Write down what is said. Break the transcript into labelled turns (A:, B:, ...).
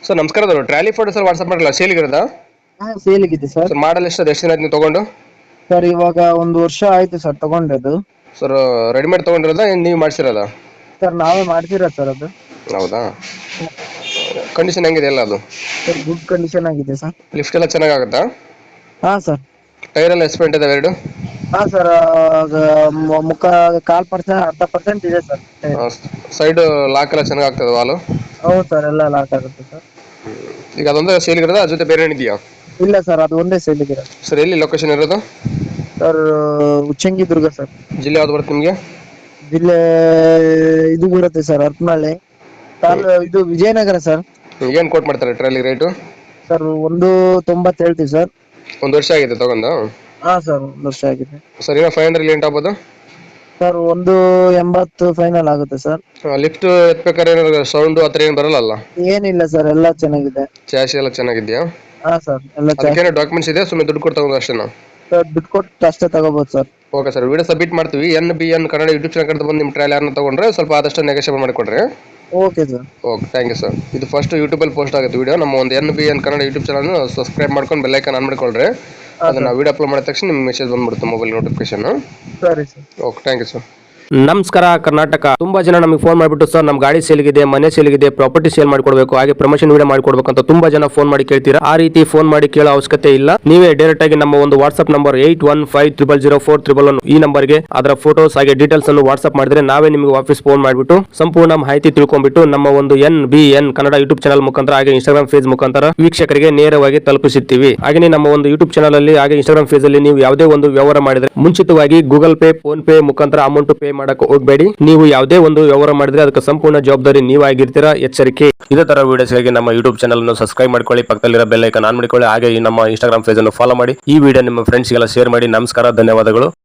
A: Sir ನಮಸ್ಕಾರ, ಅದು trolley photo sir WhatsApp ಮಾಡಲ್ಲ ಸೇಲಿಗಿರೋದಾ?
B: ಹಾ ಸೇಲಿಗಿದೆ ಸರ್.
A: ಸರ್ ಮಾಡಲ್ ಎಷ್ಟು, ಅದು ಎಷ್ಟು ದಿನ ಆಯ್ತು ನೀವು ತೊಗೊಂಡು?
B: ಸರ್ ಇವಾಗ 1 ವರ್ಷ ಆಯ್ತು ಸರ್ ತಗೊಂಡದು.
A: ಸರ್ ರೆಡಿಮೇಡ್ ತೊಗೊಂಡಿರೋದಾ ಏನು ನೀವು ಮಾಡಿಸಿರೋದಾ?
B: ಸರ್ ನಾವೇ ಮಾಡ್ಸಿರೋದು ಸರ್ ಅದು.
A: ಹೌದಾ? ಕಂಡೀಷನ್ ಹೆಂಗಿದೆ ಎಲ್ಲ ಅದು?
B: ಸರ್ ಗುಡ್ ಕಂಡೀಷನ್ ಆಗಿದೆ ಸರ್.
A: ಲಿಫ್ಟ್ ಎಲ್ಲ ಚೆನ್ನಾಗಾಗುತ್ತಾ?
B: ಹಾ ಸರ್.
A: ಟೈರ್ ಎಲ್ಲ ಎಸ್ಪೆಂಟ್ ಇದಾವೆ ಎರಡು?
B: ಹಾ ಸರ್ ಮುಖ 1/4% 1/2% ಇದೆ ಸರ್.
A: ಸೈಡ್ ಲಾಕ್ ಎಲ್ಲ ಚೆನ್ನಾಗಾಗ್ತದೆ ವಾಲು?
B: ಹೌದು ಸರ್, ಎಲ್ಲ ಲಾಕ್ ಆಗುತ್ತೆ ಸರ್.
A: ಈಗ ಅದೊಂದೇ ಸೇಲಿಗಿರೋದಾ, ಅದ್ರ ಜೊತೆ ಬೇರೆ ಏನಿದೆಯಾ?
B: ಇಲ್ಲ ಸರ್, ಅದು ಒಂದೇ ಸೇಲಿಗಿದೆ.
A: ಸರ್ ಎಲ್ಲಿ ಲೊಕೇಶನ್ ಇರೋದು?
B: Sir Uchchangidurga sir.
A: ಜಿಲ್ಲೆ ಯಾವ್ದು ಬರುತ್ತೆ ನಿಮಗೆ?
B: ಜಿಲ್ಲೆ ಇದು ಬರುತ್ತೆ ಸರ್, ಹರಪನಹಳ್ಳಿ. ಇದು ವಿಜಯನಗರ ಸರ್.
A: ಏನು ಕೋಟ್ ಮಾಡ್ತಾರೆ ಟ್ರಾಲಿ ರೇಟು?
B: ಸರ್ 1.90 ಹೇಳ್ತೀವಿ ಸರ್.
A: 1 ವರ್ಷ ಆಗಿದೆ ತಗೊಂಡು?
B: ಹಾ ಸರ್ 1 ವರ್ಷ ಆಗಿದೆ.
A: ಸರ್ ಏನೋ 500 ಲೇಟ್ ಆಗ್ಬೋದು?
B: ಸರ್ 1.80 ಫೈನಲ್ ಆಗುತ್ತೆ ಸರ್.
A: ಲಿಫ್ಟ್ ಎತ್ಬೇಕಾದ್ರೆ ಏನಾದ್ರು ಸೌಂಡು ಆ ಥರ ಏನು ಬರಲ್ಲ?
B: ಏನಿಲ್ಲ ಸರ್, ಎಲ್ಲ ಚೆನ್ನಾಗಿದೆ.
A: ಚಾಸಿ ಎಲ್ಲ ಚೆನ್ನಾಗಿದೆಯಾ?
B: ಹಾ ಸರ್, ಎಲ್ಲ
A: ಅದಕ್ಕೇನೋ ಡಾಕ್ಯುಮೆಂಟ್ಸ್ ಇದೆ, ಸುಮ್ಮನೆ ದುಡ್ಡು ಕೊಟ್ಟು ತಗೊಂಡು ಅಷ್ಟೇನಾ?
B: ಸರ್ ದುಡ್ಡು ಕೊಟ್ಟು ಅಷ್ಟೇ ತಗೋಬಹುದು sir.
A: Okay sir, video submit ಮಾಡ್ತೀವಿ. NBN ಕನ್ನಡ ಯೂಟ್ಯೂಬ್ ಚಾನಲ್ ಕಡೆ ಬಂದು ನಿಮ್ಮ ಟ್ರಯಲ್ ಯಾರನ್ನ ತೊಗೊಂಡ್ರೆ ಸ್ವಲ್ಪ ಆದಷ್ಟು ನೆಗೋಷಿಯೇಟ್ ಮಾಡಿಕೊಡ್ರಿ.
B: Okay sir.
A: Okay, thank you sir. ಇದು ಫಸ್ಟ್ ಯೂಟ್ಯೂಬಲ್ಲಿ ಪೋಸ್ಟ್ ಆಗುತ್ತೆ ವಿಡಿಯೋ. ನಮ್ಮ ಒಂದು NBN Kannada YouTube channel subscribe ಮಾಡ್ಕೊಂಡು ಬೆಲ್ ಐಕಾನ್ ಆನ್ ಮಾಡಿಕೊಳ್ರಿ. ಅದನ್ನು ವಿಡಿಯೋ ಅಪ್ಲೋಡ್ ಮಾಡಿದ ತಕ್ಷಣ ನಿಮ್ಮ ಮೆಸೇಜ್ ಬಂದ್ಬಿಡುತ್ತೆ ಮೊಬೈಲ್ ನೋಟಿಫಿಕೇಶನ್.
B: ಸರಿ sir.
A: Okay, thank you sir.
C: ನಮಸ್ಕಾರ ಕರ್ನಾಟಕ. ತುಂಬಾ ಜನ ನಮಗೆ ಫೋನ್ ಮಾಡಿಬಿಟ್ಟು ಸರ್ ನಮ್ಮ ಗಾಡಿ ಸೇಲ್ಗಿದೆ, ಮನೆ ಸೇಲ್ಗಿದೆ, ಪ್ರಾಪರ್ಟಿ ಸೇಲ್ ಮಾಡ್ಕೊಡ್ಬೇಕು, ಹಾಗೆ ಪ್ರಮೋಷನ್ ವಿಡಿಯೋ ಮಾಡ್ಕೊಡ್ಬೇಕು ಅಂತ ತುಂಬಾ ಜನ ಫೋನ್ ಮಾಡಿ ಕೇಳ್ತೀರಾ. ಆ ರೀತಿ ಫೋನ್ ಮಾಡಿ ಕೇಳೋ ಅವಶ್ಯಕತೆ ಇಲ್ಲ. ನೀವೇ ಡೈರೆಕ್ಟ್ ಆಗಿ ನಮ್ಮ ಒಂದು ವಾಟ್ಸ್ಆಪ್ ನಂಬರ್ 81500411 ಈ ನಂಬರ್ಗೆ ಅದರ ಫೋಟೋಸ್ ಹಾಗೆ ಡೀಟೇಲ್ಸ್ ಅನ್ನು ವಾಟ್ಸ್ಆಪ್ ಮಾಡಿದ್ರೆ ನಾವೇ ನಿಮಗೆ ವಾಪಸ್ ಫೋನ್ ಮಾಡಿಬಿಟ್ಟು ಸಂಪೂರ್ಣ ಮಾಹಿತಿ ತಿಳ್ಕೊಂಡ್ಬಿಟ್ಟು ನಮ್ಮ ಒಂದು NBN ಕನ್ನಡ ಯೂಟ್ಯೂಬ್ ಚಾನಲ್ ಮುಖಾಂತರ ಹಾಗೆ ಇನ್ಸ್ಟಾಗ್ರಾಮ್ ಪೇಜ್ ಮುಖಾಂತರ ವೀಕ್ಷಕರಿಗೆ ನೇರವಾಗಿ ತಲುಪಿಸುತ್ತೀವಿ. ಹಾಗೆ ನಮ್ಮ ಒಂದು ಯೂಟ್ಯೂಬ್ ಚಾನಲ್ ಅಲ್ಲಿ ಹಾಗೆ ಇನ್ಸ್ಟಾಗ್ರಾಮ್ ಪೇಜ್ ಅಲ್ಲಿ ನೀವು ಯಾವುದೇ ಒಂದು ವ್ಯವಹಾರ ಮಾಡಿದ್ರೆ ಮುಂಚಿತವಾಗಿ ಗೂಗಲ್ ಪೇ, ಫೋನ್ ಪೇ ಮುಖಾಂತರ ಅಮೌಂಟ್ ಪೇ ಮಾಡಕ್ಕೆ ಹೋಗಬೇಡಿ. ನೀವು ಯಾವುದೇ ಒಂದು ವ್ಯವಹಾರ ಮಾಡಿದ್ರೆ ಅದಕ್ಕೆ ಸಂಪೂರ್ಣ ಜವಾಬ್ದಾರಿ ನೀವಾಗಿರ್ತೀರಾ, ಎಚ್ಚರಿಕೆ. ಇದೇ ತರ ವಿಡಿಯೋಸ್ಗಾಗಿ ನಮ್ಮ ಯೂಟ್ಯೂಬ್ ಚಾನಲ್ ಅನ್ನು ಸಬ್ಸ್ಕ್ರೈಬ್ ಮಾಡ್ಕೊಳ್ಳಿ, ಪಕ್ಕದಲ್ಲಿರೋ ಬೆಲ್ ಐಕಾನ್ ಆನ್ ಮಾಡಿಕೊಳ್ಳಿ, ಹಾಗೆ ಈ ನಮ್ಮ ಇನ್ಸ್ಟಾಗ್ರಾಮ್ ಪೇಜ್ ಅನ್ನು ಫಾಲೋ ಮಾಡಿ. ಈ ವಿಡಿಯೋ ನಿಮ್ಮ ಫ್ರೆಂಡ್ಸ್ಗೆಲ್ಲ ಶೇರ್ ಮಾಡಿ. ನಮಸ್ಕಾರ, ಧನ್ಯವಾದಗಳು.